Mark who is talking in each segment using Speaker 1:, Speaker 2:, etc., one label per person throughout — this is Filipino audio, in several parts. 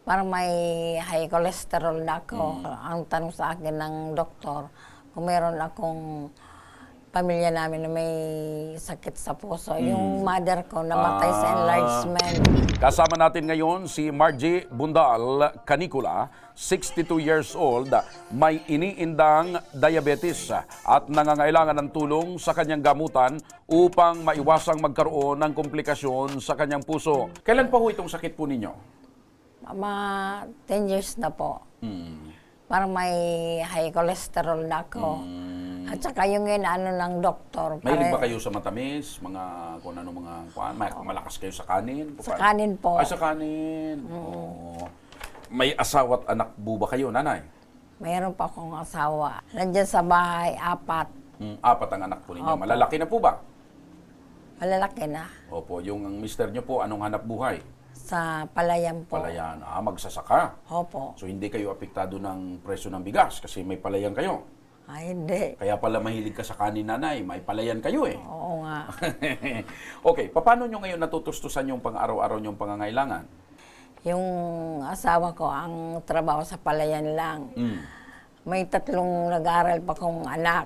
Speaker 1: Parang may high cholesterol na ako. Ang tanong sa akin ng doktor, kung meron akong pamilya namin na may sakit sa puso. Yung mother ko namatay sa enlargement.
Speaker 2: Kasama natin ngayon si Margie Bundal Canicula, 62 years old, may iniindang diabetes at nangangailangan ng tulong sa kanyang gamutan upang maiwasang magkaroon ng komplikasyon sa kanyang puso. Kailan pa ho itong sakit po ninyo?
Speaker 1: Mga 10 years na po. Parang may high cholesterol na ako. At saka yung inaano ng doktor.
Speaker 2: Mahilig ba kayo sa matamis? Mga kung ano mga malakas kayo sa kanin?
Speaker 1: Sa kanin po.
Speaker 2: Ay, sa kanin. Oo. May asawa at anak po ba kayo, nanay?
Speaker 1: Mayroon pa akong asawa. Nandiyan sa bahay, 4.
Speaker 2: 4 ang anak po ninyo.
Speaker 1: Opo.
Speaker 2: Malalaki na po ba?
Speaker 1: Malalaki na.
Speaker 2: Opo, yung ang mister nyo po, anong hanap buhay?
Speaker 1: Sa palayan po.
Speaker 2: Palayan. Magsasaka.
Speaker 1: Opo.
Speaker 2: So hindi kayo apektado ng presyo ng bigas kasi may palayan kayo.
Speaker 1: Ay, hindi.
Speaker 2: Kaya pala mahilig ka sa kanin, nanay. May palayan kayo eh.
Speaker 1: Oo nga.
Speaker 2: Okay, paano nyo ngayon natutustusan yung pang-araw-araw nyong pangangailangan?
Speaker 1: Yung asawa ko, ang trabaho sa palayan lang. May 3 nag-aaral pa kong anak.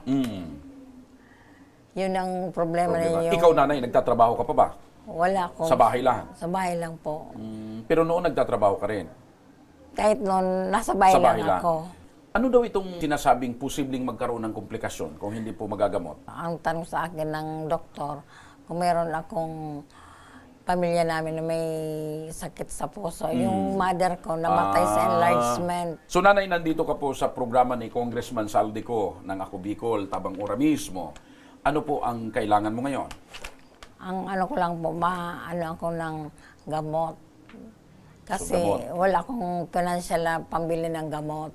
Speaker 1: Yun ang problema ninyo.
Speaker 2: Ikaw, nanay, nagtatrabaho ka pa ba?
Speaker 1: Wala ko.
Speaker 2: Sa bahay lang?
Speaker 1: Sa bahay lang po.
Speaker 2: Pero noon nagtatrabaho ka rin?
Speaker 1: Kahit noon, nasa bahay,
Speaker 2: Sa bahay
Speaker 1: lang
Speaker 2: lang.
Speaker 1: ako.
Speaker 2: Ano daw itong sinasabing posibleng magkaroon ng komplikasyon kung hindi po magagamot?
Speaker 1: Ang tanong sa akin ng doktor, kung meron akong pamilya namin na may sakit sa puso. Yung mother ko namatay sa enlargement.
Speaker 2: So nanay, nandito ka po sa programa ni Congressman Saldico ng Ako Bicol, Tabang Ora mismo. Ano po ang kailangan mo ngayon?
Speaker 1: Ang ano ko lang po, ano ako ng gamot. Kasi
Speaker 2: gamot.
Speaker 1: wala akong financial na pambili ng gamot.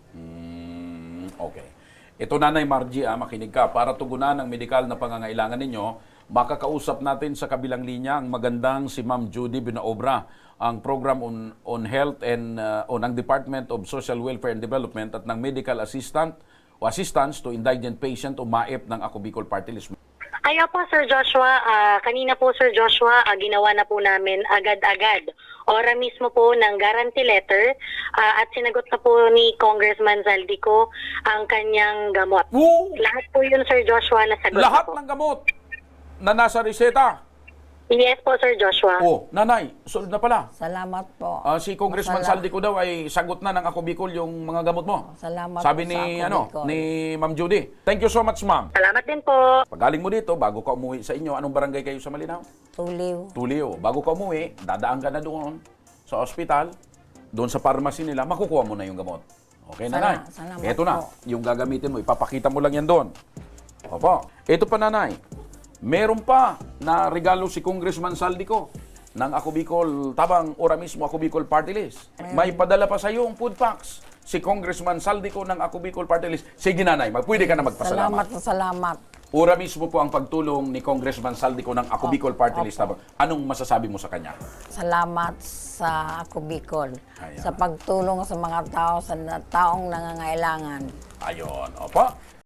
Speaker 2: Okay. Ito, Nanay Margie, makinig ka. Para tugunan ang medikal na pangangailangan ninyo, makakausap natin sa kabilang linya ang magandang si Ma'am Judy Binaobra, ang program on health and on ang Department of Social Welfare and Development at ng medical assistant o assistance to indigent patient o MAEP ng Ako Bicol Party List.
Speaker 3: Kaya po, Sir Joshua, kanina po, Sir Joshua, ginawa na po namin agad-agad. Ora mismo po ng guarantee letter at sinagot na po ni Congressman Zaldico ang kanyang gamot.
Speaker 2: Oo!
Speaker 3: Lahat po yun, Sir Joshua, nasagot
Speaker 2: Lahat
Speaker 3: na po.
Speaker 2: ng gamot na nasa reseta.
Speaker 3: Yes po, Sir Joshua.
Speaker 2: Oh, Nanay, solid na pala.
Speaker 1: Salamat po.
Speaker 2: Si Congressman Saldico daw ay sagot na ng Ako Bicol yung mga gamot mo.
Speaker 1: Salamat
Speaker 2: Sabi
Speaker 1: po
Speaker 2: ni
Speaker 1: sa Ako Bicol.
Speaker 2: ni Ma'am Judy. Thank you so much, ma'am.
Speaker 3: Salamat din po.
Speaker 2: Pagaling mo dito, bago ka umuwi sa inyo, anong barangay kayo sa Malinaw?
Speaker 1: Tuliw.
Speaker 2: Tulio. Bago ka umuwi, dadaan ka na doon sa ospital, doon sa pharmacy nila, makukuha mo na yung gamot. Okay, nanay?
Speaker 1: Salamat
Speaker 2: Ito na,
Speaker 1: po.
Speaker 2: yung gagamitin mo, ipapakita mo lang yan doon. Opo. Ito pa, nanay. Meron pa na regalo si Congressman Saldico ng Ako Bicol, Tabang Ora mismo, Ako Bicol Party List. May padala pa sa iyo ang food packs si Congressman Saldico ng Ako Bicol Party List. Sige, nanay, pwede ka na magpasalamat.
Speaker 1: Salamat na salamat.
Speaker 2: Ora mismo po ang pagtulong ni Congressman Saldico ng Ako Bicol Party List. Anong masasabi mo sa kanya?
Speaker 1: Salamat sa Ako Bicol.
Speaker 2: Ayan.
Speaker 1: Sa pagtulong sa mga tao, sa taong nangangailangan.
Speaker 2: Ayon, opo.